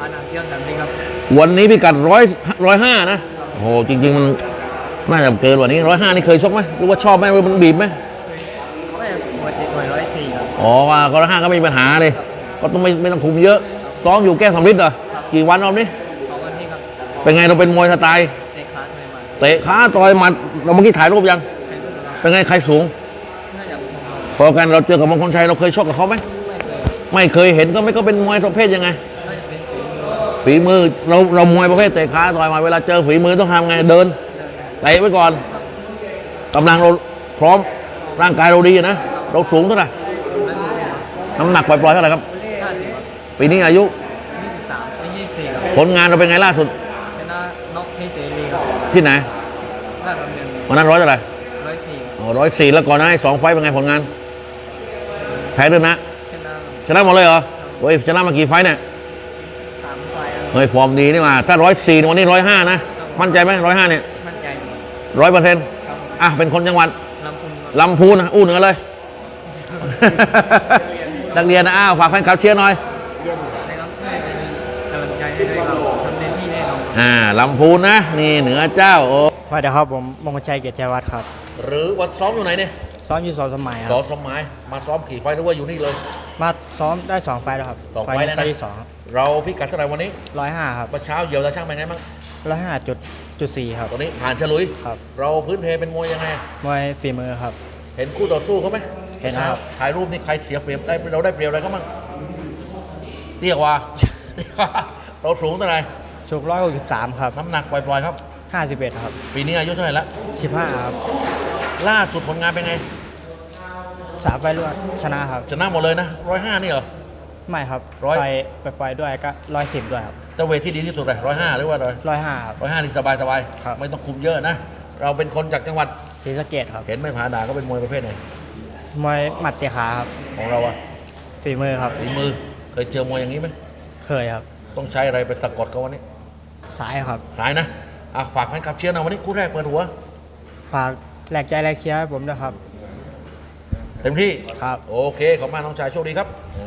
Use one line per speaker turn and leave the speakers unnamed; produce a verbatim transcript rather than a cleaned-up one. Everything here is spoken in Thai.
านน้ำเที่ยวสันติครับ
วันนี้พิกัดร้อยร้อยห้านะโอ้โหจริงๆมันน่าจะเกินกว่านี้ร้อยห้านี่เคยชกไหมหรือว่าชอบไหมมันบีบไหม
ไม่ปกติต่อยร้อยสี่ครับ
อ๋อว่าก็ร้อยห้าก็ไม่มีปัญหาเลยก็ต้องไม่ไม่ต้องคุมเยอะซ้อมอยู่แก้สำริดเหรอกี่วันรอบนี้
สองวันนี้ครับ
เป็นไงเราเป็นมวยสไตล์
เตะคลาสไม่มา
เตะขาต่อยหมัดเราเมื่อกี้ถ่ายรูปยัง
ใครรู้ครับ
เป็นไงใครสูง
น่าจะผมครับ
พอกันเราเจอกับมงคลชัยเราเคยชกกับเขาไหม
ไม่เคย
ไม่เคยเห็นก็ไม่ก็เป็นมวยประเภทยังไง
น่าจะเป็นฝีมือ
ฝีมือเราเรามวยประเภทเตะขาต่อยหมาเวลาเจอฝีมือต้องทำไงเดินเตะไว้ก่อนกำลังเราพร้อมร่างกายเราดีนะเราสูงเท่าไหร่น้ำหนักปล่อยๆเท่าไหร่ครับ
ห้าสิบครับ
ปีนี้อายุ
ยี่สิบสามไปยี่สิบสี่ครับ
ผลงานเราเป็นไงล่าสุด
ชนะน็อกที่เสรีครับ
ที่ไหน
ลาดดำเนิน
วันนั้นร้อยเท่าไหร่
ร้อยสี่
ร้อยสี่แล้วก่อนหน้านี้สองไฟต์เป็นไงผลงานแพ้ด้วยนะ
ชนะ
ชนะหมดเลยเหรอโอ้ยชนะมากี่ไฟต์เนี่ย
สามไฟล์ครับ
เฮ้ยฟอร์มดีนี่มาถ้าร้อยสี่วันนี้ร้อยห้านะมั่นใจไหมร้อยห้าเนี่ย
มั่นใจอยู่
ร้อยเปอร์เซ็นต์
ครับ
อ่ะเป็นคนจังหวัด
ลำพูนครับ
ลำพูนนะอู้เหนือเลย นักเรียนนะอ้าวฝากแฟนคลับเชียร์หน่อย
นะครับช่วยเป็นกำลังใจให้ด้วยครับทำเต็มที่แน่นอน
อ่าลำพูนนะนี่เหนือเจ้าโอ้
สวัสดีครับผมมงคลชัยเกียรติชัยวัฒน์ครับ
หรือวันซ้อมอยู่ไหนเนี่ย
ซ้อมอยู่สองสมัยค
สอ
รับ
สมัยมาซ้อมขี่ไฟหรือว่าอยู่นี่เลย
มาซ้อมได้สองไฟล์แล้วครับ
สองไฟล์แล้วนะ
ที่สอง
เราพิกัดเท่าไหร่วันนี้
ร้อยห้าครับ
เมื่อเช้าเหยียวตาช่างเป็นไงบ้าง
ร้อยห้าจุดจุดสี่ครับ
ตัวนี้ผ่านฉลุย
ครับ
เราพื้นเพเป็นมวยยังไง
มวยฝีมือครับ
เห็นคู่ต่อสู้เขาไหม
เห็น
ช้า
ครับ
ถ่ายรูปนี่ใครเสียเปรียบได้เราได้เปรียบอะไรเขาบ้างเรียกว่า เรียกว่าเราสูงเท่าไหร่
สูงร้อยหกสิบสามครับ
น้ำหนักปล่อยๆครับ
ห้าสิบเอ็ดครับ
ปีนี้อายุเท่าไหร่ละ
สิบห้าครับ
ล่าสุดผลงานเป็นไง
สามไฟล์รวดชนะครับ
ชนะหมดเลยนะร้อยห้านี่เหรอ
ไม่ครับ
ร้อย
ไปไปปล่อยด้วยก็ร้อยสิบด้วยครับ
แต่เวทที่ดีที่สุดเลยร้อยห้าหรือว่าร้อย
ร้อยห้าครับ
ร้อยห้านี่สบายสบาย
ครับ
ไม่ต้องคุมเยอะนะ เราเป็นคนจากจังหวัด
ศรีสะเกดครับ
เห็นไหม่ผาด่าก็เป็นมวยประเภทไหน
มวยหมัดเตะขาครับ
ของเราอะ
ฝีมือครับ
ฝีมือเคยเจอมวยอย่างนี้ไหม
เคยครับ
ต้องใช้อะไรไปสะกดเขาวันนี้
สายครับ
สายนะอ่ะฝากแฟนคลับเชียร์หนะวันนี้คู่แรกเปิดหัว
ฝากแหลกใจแหลกเชียร์ให้ผมด้วยครับ
เต็มที่
ครับ
โอเคขอบคุณมากน้องชายโชคดีครับอ่า